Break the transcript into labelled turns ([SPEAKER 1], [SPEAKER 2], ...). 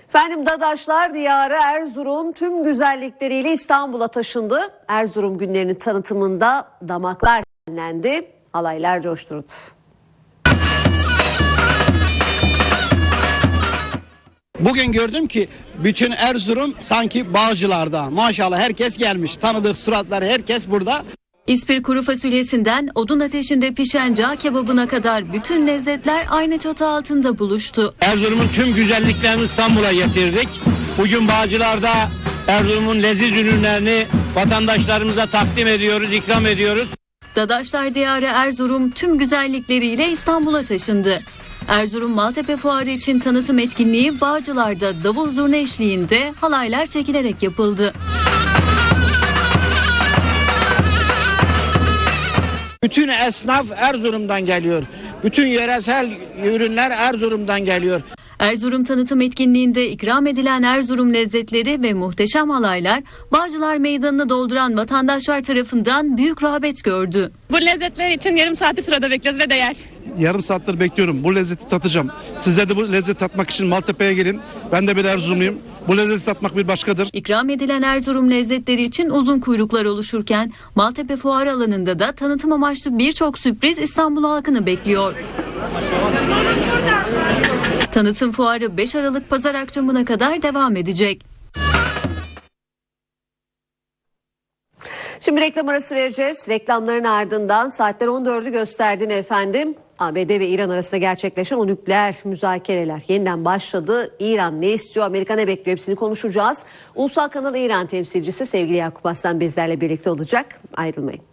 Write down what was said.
[SPEAKER 1] Efendim Dadaşlar diyarı Erzurum tüm güzellikleriyle İstanbul'a taşındı. Erzurum günlerinin tanıtımında damaklar dinlendi, halaylar coşturdu.
[SPEAKER 2] Bugün gördüm ki bütün Erzurum sanki Bağcılar'da. Maşallah herkes gelmiş. Tanıdık suratlar, herkes burada.
[SPEAKER 3] İspir kuru fasulyesinden odun ateşinde pişen cağ kebabına kadar bütün lezzetler aynı çatı altında buluştu.
[SPEAKER 4] Erzurum'un tüm güzelliklerini İstanbul'a getirdik. Bugün Bağcılar'da Erzurum'un leziz ürünlerini vatandaşlarımıza takdim ediyoruz, ikram ediyoruz.
[SPEAKER 3] Dadaşlar diyarı Erzurum tüm güzellikleriyle İstanbul'a taşındı. Erzurum Maltepe Fuarı için tanıtım etkinliği Bağcılar'da davul zurna eşliğinde halaylar çekilerek yapıldı.
[SPEAKER 2] Bütün esnaf Erzurum'dan geliyor. Bütün yöresel ürünler Erzurum'dan geliyor.
[SPEAKER 3] Erzurum tanıtım etkinliğinde ikram edilen Erzurum lezzetleri ve muhteşem halaylar Bağcılar Meydanı'nı dolduran vatandaşlar tarafından büyük rağbet gördü.
[SPEAKER 5] Bu lezzetler için yarım saati sırada bekliyoruz ve değer.
[SPEAKER 6] Yarım saattir bekliyorum. Bu lezzeti tatacağım. Sizler de bu lezzeti tatmak için Maltepe'ye gelin. Ben de bir Erzurumluyum. Bu lezzeti tatmak bir başkadır.
[SPEAKER 3] İkram edilen Erzurum lezzetleri için uzun kuyruklar oluşurken Maltepe Fuarı alanında da tanıtım amaçlı birçok sürpriz İstanbul halkını bekliyor. Tanıtım fuarı 5 Aralık Pazar akşamına kadar devam edecek.
[SPEAKER 1] Şimdi reklam arası vereceğiz. Reklamların ardından saatler 14'ü gösterdiğini efendim. ABD ve İran arasında gerçekleşen o nükleer müzakereler yeniden başladı. İran ne istiyor, Amerika ne bekliyor, hepsini konuşacağız. Ulusal Kanal İran temsilcisi sevgili Yakup Aslan bizlerle birlikte olacak. Ayrılmayın.